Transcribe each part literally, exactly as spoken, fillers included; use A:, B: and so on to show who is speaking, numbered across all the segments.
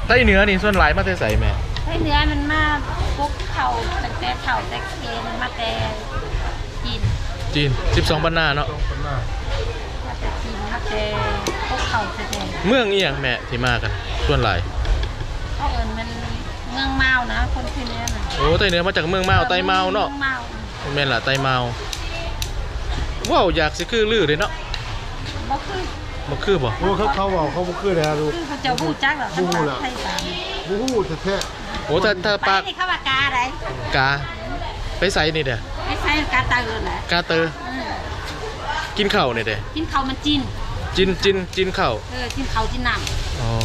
A: ใต้เหนือนี่ส่วนหลายมาแต่ใส่แม่
B: ใต้เหนือมันมาปุ๊กเข่าแต่แต่เข่าแต่เกณฑ์มาแต่จีน
A: จีนสิบสองบรรณาเนาะ
B: มาแต่จีนมาแต่ปุ๊กเข่าแต่
A: เมืองอีหยังแม่ที่มากันส่วนหลาย
B: เขาเอิญมันเมืองเมานะคนที่นี้น่ะ
A: โอ้ใต้เหนือมาจากเมืองเมาใต้เมาเนาะแม่นล่ะใต้เมาว้าวอยากสิคือลือเลยเนาะ
B: บ่คือ
A: บ่คือบ่
C: โอ้เขาเขาบอกเขาบ่คือแล้วลูก
B: เขาจะบูจักหรอ
C: บูล่ะบูฮู้แท้
A: โอ้ถ้าถ้าปาก
B: นี่เขาว่ากาอะไร
A: กาไปใส่นี่เด้อ
B: ไปใส่กาเตอร์แหละ
A: กาเตอร์กินข้าวนี่เด้อ
B: กินข้าวมันจิน
A: จินจินจินข้าว
B: เออกินข้าวจินน้ำ
A: อ๋อ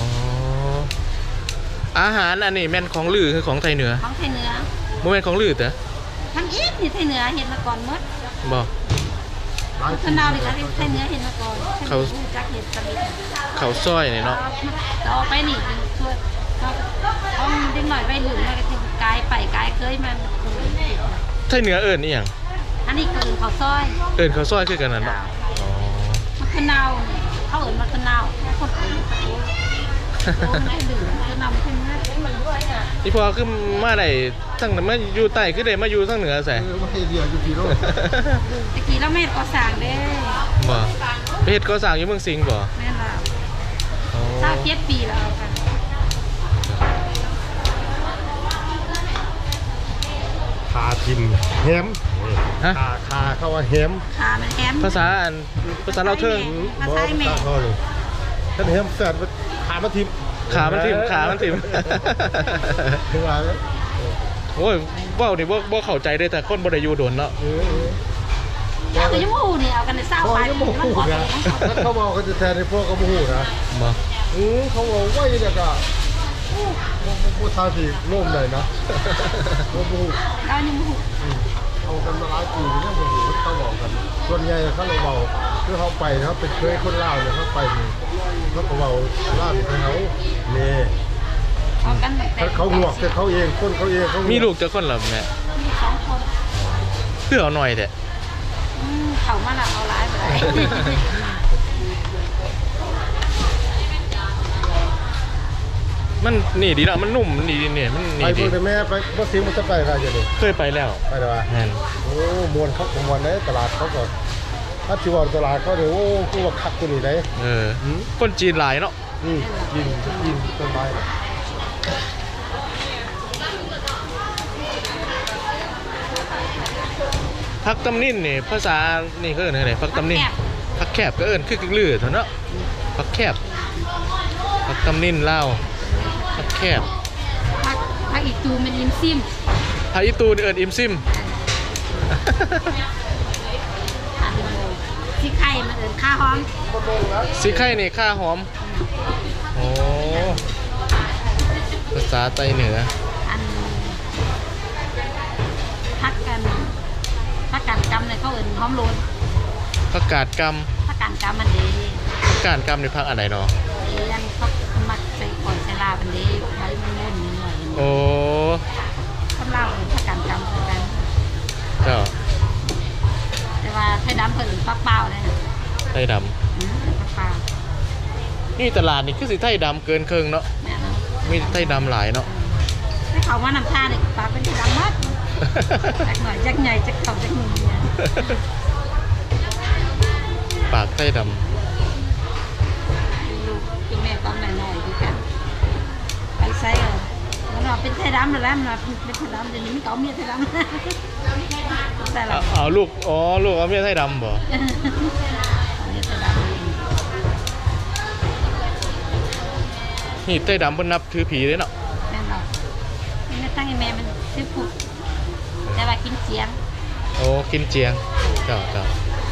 A: อาหารอันนี้แม่นของลือคือของไทยเหนือ
B: ของไทยเหนือ
A: บ่แม่นของลือเด้อ
B: ทั้งอีกนี่ไทยเหนือเห็นมาก่อนหมด
A: บ่
B: ข้าวนาดิไทยเหนือเห็นมาก่อนเขาจักเห็ดสมิธ
A: เขาซอยนี่เนาะ
B: ต่อไปนี่ช่วยเขาเด็กหน่อยไปหลุมแล้วก็ทิ้งกายไปกายเคยมัน
A: ไทยเหนือเอิญนี่อย่าง
B: อันนี้เกินเขาซอย
A: เอิญเขาซอยคือกันนั่นเนาะ
B: มะขนาวเขาเอิญมะขนาวคนเอิญมะขนาวไม่ดื่มมะขนาวขึ้นนะ
A: นี่พอขึ้นมาไหนทั้งมาอยู่ใต้ขึ้นได้มาอยู่ทั้งเหนือใส่
C: มาให้เดียวอยู่ที่โลก
B: ตะกี้เราเม็ดก็สั่งเด้
A: บ่ไปเฮ็ดก็สั่งอยู่เมืองสิงห์บ่
B: แม่นล่ะเศร้าเจ็ดปีแล้วกัน
C: คาทิมแฮมคาคาเข้าว่าแฮม
B: คามันแฮม
A: ภาษาอันภาษาเราเทิง
B: ภาษาแม่
C: ท่านแฮมแซ่บขามันทิม
A: ขามันทิมขามันทิม
C: คือว่า
A: โอ้ยว้าวนี่บ่บ่เข้าใจได้แต่คนบ่ได้อยู่โดนเนาะ
B: เจ้าก็ยังมูนี่เอากันในเศร้าไป
C: มันขอนะเขาบอกเขาจะแทนในพวกกระมูนะ
A: มา
C: อือเขาบอกว่าอย่างนี้ก็ผู้ทาสีร่มเลยนะกระมู
B: เรานี่มู
C: เอากันมาหลายปีเนี่ยมูเขาบอกกันส่วนใหญ่เขาเลยบอกคือเขาไปเขาเป็นเคยคนเล่าเนี่ยเขาไปนี่เขาก็บอกเล่าที่เขาเนี่ยเขาหงวกแต่เขาเองคนเขาเอง
A: มีลูกจะคนหรอแม่
B: มีสองคน
A: เพื่อเอาหน่อยเด็ด
B: เขามาละเอาร้ายไป
A: มันนี่ดีนะมันนุ่มนี่เนี่ยมันนี่
C: ดีไปแม่ไปบ่ซิมันจะไปอะไรอย่างนี้
A: เคยไปแล้ว
C: ไปแล้วแม่โอ้มวนเขามวนในตลาดเขาก่อนถ้าชิวตลาดเขาเดี๋ยวโอ้กูว่าคักกูนี่ได้
A: เออคนจีนหลายเนาะ
C: อืมจีนจีนต้นไม้
A: พักตำนินนี่ภาษานี่เขาเอิ้นอะไรพักตำนินพักแคบก็เอิ้นคือกึ่งลือเถอะเนาะพักแคบพักตำนินเล่าพักแคบ
B: พักพักอีตูมันอิมซิม
A: พักอีตูเอิ้นอิมซิม
B: สีไข่มันเอิ้นข้าหอม
A: สีไข่นี่ข้าหอมโอ้ภาษาไต้เหนือ
B: พักกันพักการกำเลยเขาเอิ้นหอมโลน
A: พักกาดก
B: ำพักการกำมันดี
A: พักกาดกำในพักอะไรเนาะ
B: เรียนเขามักใส่ก่อนใส่ลาบันดีไว้มันมุ่นนิดหน่อย
A: โอ้
B: คนเล่าเอิ้นพักการกำเหมือนกัน
A: เจ้า
B: แต่ว่าไทยดำเพิ่นปักเปล่าเลย
A: ไทยด
B: ำปักเปล่า
A: นี่ตลาดนี่คือสิไทยดำเกินครึ่งเนาะมีไทยดำหลายเนาะ
B: ให้เขาว่านำท่าเนี่ยปลาเป็นไทยดำมากจักหน่อยจักใหญ่จักเขาจักหนุ่มเนี่ย
A: ปากไทยดำ
B: ลูกคุณแม่ตอนหน่อยๆดูกันไปใส่เลยมันว่าเป็นไทยดำแล้วมันว่าเป็นไทยดำเดี๋ยวนี้มันเก่าเมียไทยดำ
A: แต่ละเอาลูกอ๋อลูกเอาเมียไทยดำบ่นี่ไทยดำเพิ่นนับถือผีเลยเนาะ
B: แม่นบ่นี่ตั้งให้แม่มันซื้อผูกแต่ว่ากินเจียง
A: โอ้กินเจียงเจ้าเจ้า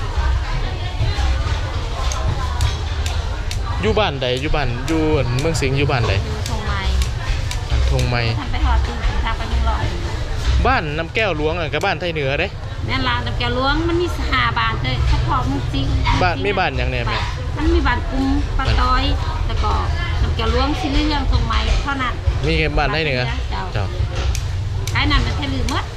A: อยู่บ้านใดอยู่บ้านอยู่เมืองสิงห์อยู่บ้านใด
B: อยู่ทงไม้
A: ทงไม้
B: ทำไปหอดตีนทางไปเมืองลอย
A: บ้านน้ำแก้วหลวงอ่ะกับบ้านไทยเหนือเด้
B: แม่นล่ะน้ำแก้วหลวงมันมีสหาบ้านเลยเฉพาะเมืองสิงห์
A: บ้านมีบ้านอย่างแน่แม่
B: มันมีบ้านกุ้งปลาต้อยแล้วก็น้ำแก้วหลวงสิเรื่องทงไม้เท่านั้น
A: มีแค่บ้านไทยเหนือเจ้า
B: ขายนั่นมันแค่ลืมมั้ง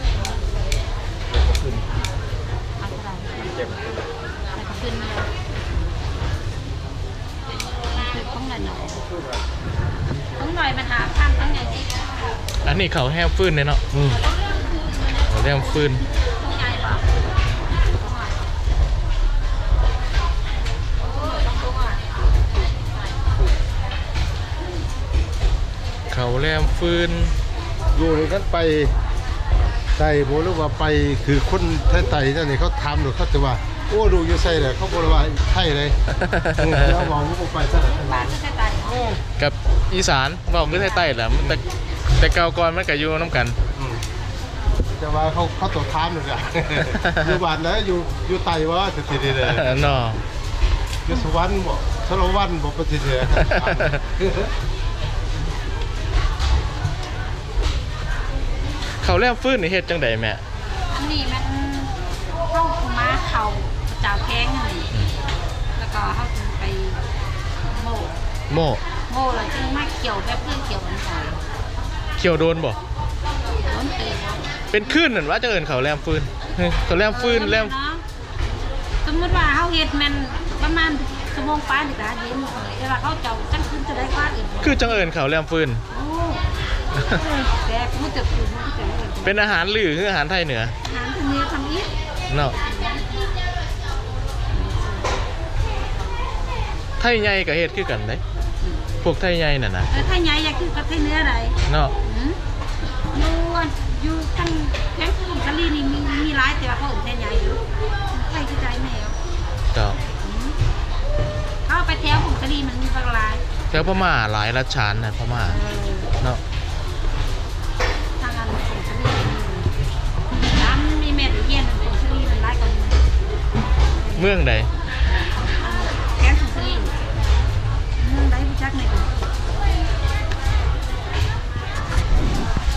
B: ขึ้นมาคือต้องหน่อยหน่อยต้องหน่อยมันหา
A: อันนี้เขาแห้มฟื้นเนี่ยเนาะ
C: อืม
A: เขาแห้มฟื้น
B: ต้องใหญ่ป่ะต้องตัว
A: เขาแห้มฟื้น
C: อยู่ในนั้นไปไต่โบหรือว่าไปคือคนไต่ๆนั่นนี่เขาทำหรือเขาจะว่าโอ้ดูอยู่ใส่เลยเขาบอกว่าไทยเลยอืมแล้วมองว่าไปซะ
B: บ้านก็แค่ตาย
A: กับอีสานบอกคือใต้ๆแหละมันแต่แต่เก่าก่อนมันก็อยู่น้ำกัน
C: อืมแต่ว่าเขาเขาตัวทามเลยอะ อยู่บ้านนะอยู่อยู่ไต่ว่าสิทีเดียวเลย
A: เนาะ
C: อยู่สวรรค์บ่สรวันบ่ปฏิเสธ
A: เขาแห้มฟื้นนี่เฮ็ดจังใดแม่
B: อันนี้มันเข้ามาเข่าเจ้าแข้งนี่แล้วก็เข้าไปโม่
A: โม่
B: โม่แล้วจึงมาเกี่ยวแบบเพื่อนเกี่ยวกันใส่
A: เขียวโดนบ่
B: ล้นเตะ
A: เป็นคลื่นนั่นว่าจะเอิ้นเขาแห้มฟื้นเฮ้ยเขาแห้มฟื้นแห้ม
B: สมมติว่าเขาเห็ดมันประมาณชั่วโมงป้าหรือการเย็นเวลาเขาเจ้าจังขึ้นจะได้กว่าอื่น
A: คือจังเอิ้นเขาแห้มฟื้น
B: โอ้แต่กูจะคืนกูจะเห็น
A: เป็นอาหารหรือคืออาหารไทยเหนือ
B: อาหารทางนี้ทำอีก
A: เนาะไทยใหญ่กับเฮ็ดคือกันเด้พวกไทยใหญ่น่ะนะ
B: เออถ้าใหญ่อยากคือกับไทยเนื้ออะไร
A: เนาะ
B: อยู่อยู่ทั้งแข้งกุ้งทะเลนี่มีมีร้ายแต่ว่าเขาอื่นไทยใหญ่อยู่ไทยที่ใจแมว
A: เจ้า
B: เขาไปแถวกุ้งทะเลมันมีบางราย
A: แถวพม่าหลายรัชฉานนะพม่าเนาะ
B: ทางอันกุ้งทะเลน้ำมีแม่ตะเยียนกุ้งทะเลมันร้ายกว่า
A: เมืองใด
B: แข้งกุ้งทะเลเมืองใดผู้จักในกุ้ง